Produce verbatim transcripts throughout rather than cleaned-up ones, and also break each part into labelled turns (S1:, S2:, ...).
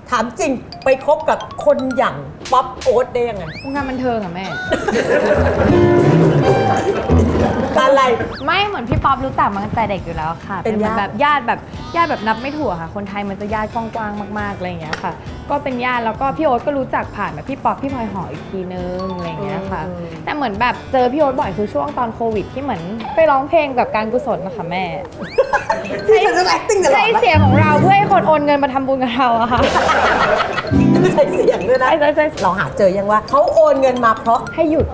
S1: ถามจริงไปคบกับคนอย่างป๊อปโอ๊ตได้ยังไง
S2: วงการบันเทิงอะแม่
S1: อะไร
S2: ไม่เหมือนพี่ป๊อปรู้จักมาตั้งแต่เด็กอยู่แล้วค่ะ
S1: เป็น
S2: หมือ
S1: ญาติ
S2: แบบญาติแบบญาติแบบนับไม่ถั่วค่ะ คนไทยมันจะญาติกว้างๆมากๆอะไรอย่างเงี้ยค่ะ ก็เป็นญาติแล้วก็พี่โอ๊ตก็รู้จักผ่านแบบพี่ป๊อปพี่พลอยหออีกทีนึงอะไรอย่างเงี้ยค่ะ แต่เหมือนแบบเจอพี่โอ๊ตบ่อยคือช่วงตอนโควิดที่เหมือนไปร้องเพลงแบบการกุศลนะคะแม่
S1: ที่เป็นเรื่อง acting ตลอด
S2: ใช้เสียงของเราเพื่อให้คนโอนเงินมาทำบุญกับเราอะค่ะ
S1: ใช้เสียงด้วยนะ
S2: ใช่ใช่ใช่
S1: เราหาเจอยังว่าเขาโอนเงินมาเพราะ
S2: ให้หยุด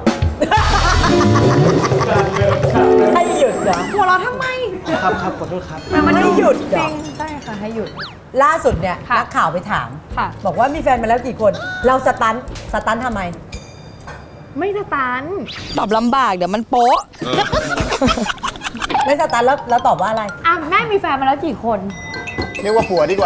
S1: ให้หยุดเหรอ
S2: หัวเราะทำไม
S3: ครับครับขอโทษครับ
S2: มัน
S1: ให้หยุดเหร
S2: จ
S1: อ
S2: ริงใช่ค่ะให้หยุด
S1: ล่าสุดเนี่ย
S2: ค่ะ
S1: นักข่าวไปถาม
S2: ค่ะ
S1: บอกว่ามีแฟนมาแล้วกี่คน เราสตันสตันทำไม
S2: ไม่สตัน
S4: ตอบลำบากเดี๋ยวมันโป๊ะ
S1: ไม่สตันแล้วแล้วตอบว่าอะไร
S2: อ่ะแม่มีแฟนมาแล้วกี่คน
S3: เรียกว่าผัวดีกว่า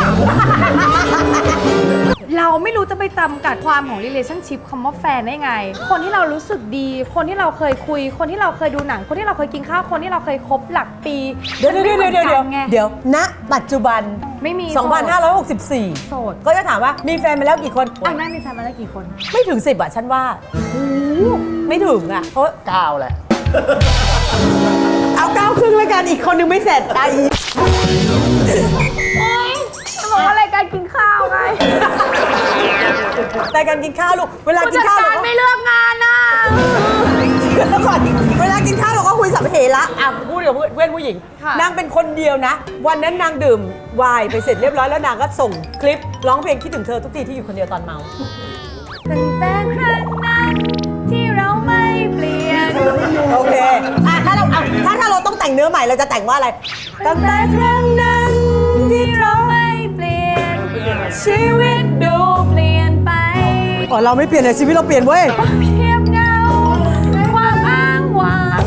S2: เราไม่รู้จะไปจำกัดความของ relationship คำว่าแฟนได้ไง คนที่เรารู้สึกดี คนที่เราเคยคุย คนที่เราเคยดูหนัง คนที่เราเคยกินข้าว คนที่เราเคยคบหลักปี
S1: เดี๋ยวเดี๋ยวเดี๋ยวเดี๋ยวเดี๋ยว
S2: ไง
S1: เดี๋ยวณปัจจุบัน
S2: ไม่มี
S1: สองพันห้าร้อยหกสิบสี่
S2: โสด
S1: ก็จะถามว่ามีแฟนมาแล้วกี่คน
S2: อ่ะแม่มีแฟนมาแล้วกี่คน
S1: ไม่ถึงสิบอะฉันว่าโอ้โหไม่ถึงอะเพราะ
S3: ก้าวแหละ
S1: เอาเก้าครึ่งแล้วกันอีกคนนึงไม่เสร็จได้อีก
S2: โอ๊ยจะบอกว่ารายการกินข้าวไง
S1: แต่การกินข้าวลูกเวลา
S2: ผู้
S1: กิน
S2: จัด
S1: ข้าว
S2: กา
S1: เรา
S2: ร
S1: ก็
S2: ไม่เลือกงานน่ะ
S1: แล้วก่อนเวลากินข้าวเราก็คุยสัพเพเหระอ่ะพูดกับเพื่อนผู้หญิง
S2: ค่ะ
S1: นางเป็นคนเดียวนะ วันนั้นนางดื่มไวน์ไปเสร็จเรียบร้อยแล้วนางก็ส่งคลิปร้องเพลงคิดถึงเธอทุกทีที่อยู่คนเดียวตอนเมา
S2: ตั้งแต่ครั้งนั้นที่เราไม่เปลี่ยน
S1: โอเคอ่ะถ้าเราเอาถ้าถ้าเราต้องแต่งเนื้อใหม่เราจะแต่งว่าอะไรตั้งแต่ครั้งนั้นที่เรา
S2: ไม่เปลี่ยน ชีวิตดูเปลี่ยนไป
S1: อ๋อเราไม่เปลี่ยนเลยชีวิตเราเปลี่ยนเว้ย
S2: เพียบเงาความอ้างว้าง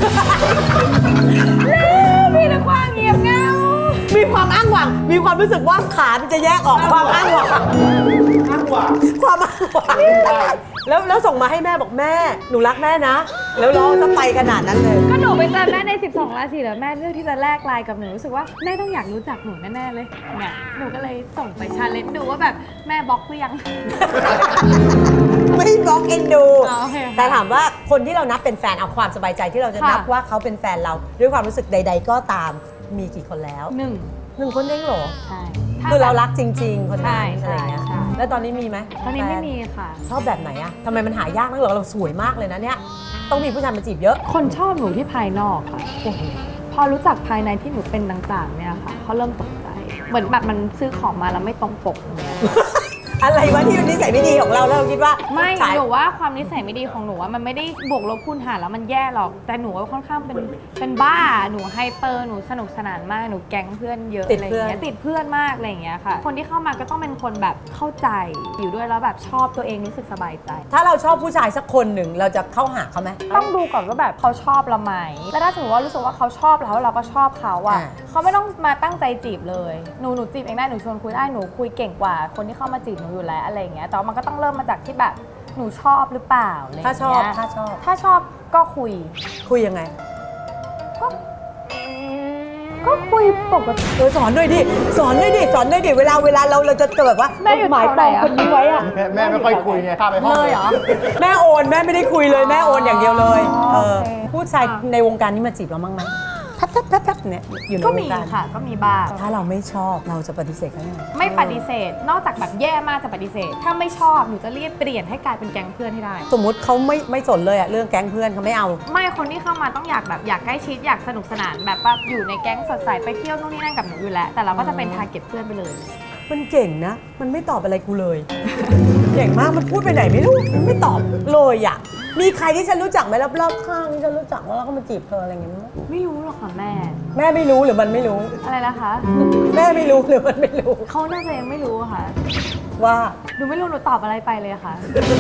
S2: แล้วมีแต่ความเงียบเงา
S1: มีความอ้างหวังมีความรู้สึกว่าขามันจะแยกออกความอ้างหวังอ้างหวังความอ้างหวังแล้วแล้วส่งมาให้แม่บอกแม่หนูรักแม่นะ แล้วร้องจะไปขนาดนั้นเลย
S2: ก็หนูไปเจอแม่ใน สิบสอง ราศีแล้วแม่เลือกที่จะแลกไลน์กับหนูรู้สึกว่าแม่ต้องอยากรู้จักหนูแน่ๆเลยเนี่ยหนูก็เลยส่งไปชาเลนจ์ดูว่าแบบแม่บล็อกหรือยัง
S1: ไม่บล็อกเอ็นดู
S2: อ๋อโอเคค่ะ
S1: แต่ถามว่าคนที่เรานับเป็นแฟนเอาความสบายใจที่เราจะ
S2: ค่ะ
S1: นับว่าเขาเป็นแฟนเรา ด้วยความรู้สึกใด ๆ ก็ตามมีกี่คนแล้ว
S2: หนึ่ง
S1: หนึ่งคนเองเหรอ
S2: ใช่
S1: คือเรารักจริง ๆ คนนั้น
S2: ใช่
S1: อะไรเงี้ย
S2: ใช่ใช่
S1: แล้วตอนนี้มีไหม
S2: ตอนนี้ไม่
S1: แฟ
S2: มีค่ะ
S1: ชอบแบบไหนอะทำไมมันหายากนักเหรอเราสวยมากเลยนะเนี่ยต้องมีผู้ชายมาจีบเยอะ
S2: คนชอบหนูที่ภายนอกค่ะพอรู้จักภายในที่หนูเป็นต่างๆเนี่ยค่ะเขาเริ่มตกใจ เหมือนแบบมันซื้อของมาแล้วไม่ตรงปกอย่างเงี้ย
S1: อะไรวะที่เป็นนิสัยไม่ดีของเราแล้วเราคิดว่า
S2: ไม่
S1: ขาย
S2: หนูว่าความนิสัยไม่ดีของหนูว่ามันไม่ได้บวกลบคูณหารแล้วมันแย่หรอก แต่หนูว่าค่อนข้างเป็นเป็นบ้า หนูไฮเปอร์หนูสนุกสนานมากหนูแก๊งเพื่อนเยอะอะไรอย่างเงี้ยติดเพื่อนมากอะไรอย่างเงี้ยค่ะ คนที่เข้ามาก็ต้องเป็นคนแบบเข้าใจอยู่ด้วยแล้วแบบชอบตัวเองรู้สึกสบายใจ
S1: ถ้าเราชอบผู้ชายสักคนหนึ่งเราจะเข้าหาเขาไหม
S2: ต้องดูก่อนว่าแบบเขาชอบเราไหมแล้วถ้าสมมติว่ารู้สึกว่าเขาชอบเราแล้วเราก็ชอบเขาอะ
S1: อ่า
S2: เขาไม่ต้องมาตั้งใจจีบเลย หนูหนูจีบเองได้ หนูชวนคุยได้ หนูคุยเก่งกว่าคนที่เข้ามาจีบหนูอยู่แล้วอะไรอย่างเงี้ย แต่ว่ามันก็ต้องเริ่มมาจากที่แบบหนูชอบหรือเปล่าอะไรอย่าง
S1: ถ้า
S2: เงี้ย
S1: ชอบถ้าชอบ
S2: ถ้าชอบก็คุย
S1: คุยยังไง
S2: ก็ก็คุยปกติ
S1: เออสอนด้วยดิสอนด้วยดิสอนด้วยดิเวลาเวลาเราเราจะแบบว่า
S2: แม่อยู่
S1: หมาย
S2: แถวไห
S1: ป
S2: น
S1: อง
S2: อะ
S1: คนนี้ไว้อะ
S3: แม่แม่ไม่ค่อยคุยไงพาไปห้อง
S2: เลยเหรอ
S1: แม่โอนแม่ไม่ได้คุยเลยแม่โอนอย่างเดียวเลย
S2: อ๋อ
S1: เออ
S2: โอเค
S1: ผู้ชาย
S2: ค่ะ
S1: ในวงการนี้มาจีบเราบ้างไหมทับทับทับทับเนี่ยอยู่ใน
S2: ก็
S1: ว
S2: มี
S1: งการ
S2: ค่ะ ก็มีบ้าง
S1: ถ้าเราไม่ชอบเราจะปฏิเสธเขายังไง
S2: ไม่ปฏิเสธ นอกจากแบบแย่มากจะปฏิเสธ ถ้าไม่ชอบหนูจะรีบเปลี่ยนให้กลายเป็นแก๊งเพื่อนให้ได้
S1: สมมุติเขาไม่ไม่สนเลยอะเรื่องแก๊งเพื่อนเขาไม่เอา
S2: ไม่คนที่เข้ามาต้องอยากแบบอยากใกล้ชิดอยากสนุกสนานแบบว่าอยู่ในแก๊งสดใสไปเที่ยวนู่นนี่นั่นกับหนูอยู่แล้ว แต่เราก็จะเป็นทาร์เก็ตเพื่อนไปเลย
S1: มันเก่งนะ มันไม่ตอบอะไรกูเลย เก่งมาก มันพูดไปไหนไม่รู้ มันไม่ตอบเลยอ่ะ มีใครที่ฉันรู้จักไหมรอบๆข้างที่ฉันรู้จักแล้วเขามาจีบเธออะไรอย่างเงี้ยมั้ย
S2: ไม่รู้หรอกค่ะแม่
S1: แม่ไม่รู้หรือมันไม่รู้
S2: อะไรนะคะ
S1: แม่ไม่รู้หรือมันไม่รู้
S2: เขาน่าจะยังไม่รู้อะค่ะ
S1: ว่า
S2: หนูไม่รู้หนูตอบอะไรไปเลยค่ะ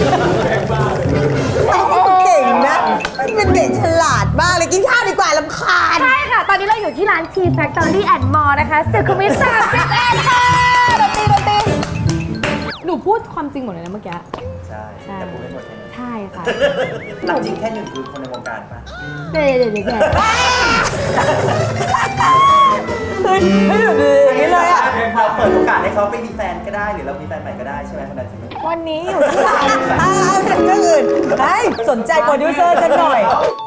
S1: เก่งนะมันเป็นเด็กฉลาดมากเลยกินข้าวดีกว่าลำคาญ
S2: ใช่ค่ะ ตอนนี้เราอยู่ที่ร้าน Tea Factory and More นะคะสุขุมวิทสามสิบเอ็ดค่ะดนตรีดนตรีหนูพูดความจริงหมดเลยนะเมื่อกี้
S5: ใช่
S2: ใช่
S5: แต่พูดไม่หมดใช่ไหม
S2: ใช่ค่ะ
S5: หลักจริงแค่หนึ่งคือคนในวงการปะ
S2: เด็ดเด็ดเด็ด
S1: เฮ้ยเฮ้ยอยู่ดีอย่างนี้เลยอ่ะ
S5: เราเปิดโอกาสให้เขาไปมีแฟนก็ได้หรือเรามีแฟนใหม่ก็ได้ใช่ไหมคนนั้นใช่ไหม
S2: วันนี้อยู่ที่ไหน
S1: อ้าวเรื่องอื่นเฮ้ยสนใจโปรดิวเซอร์ฉันหน่อย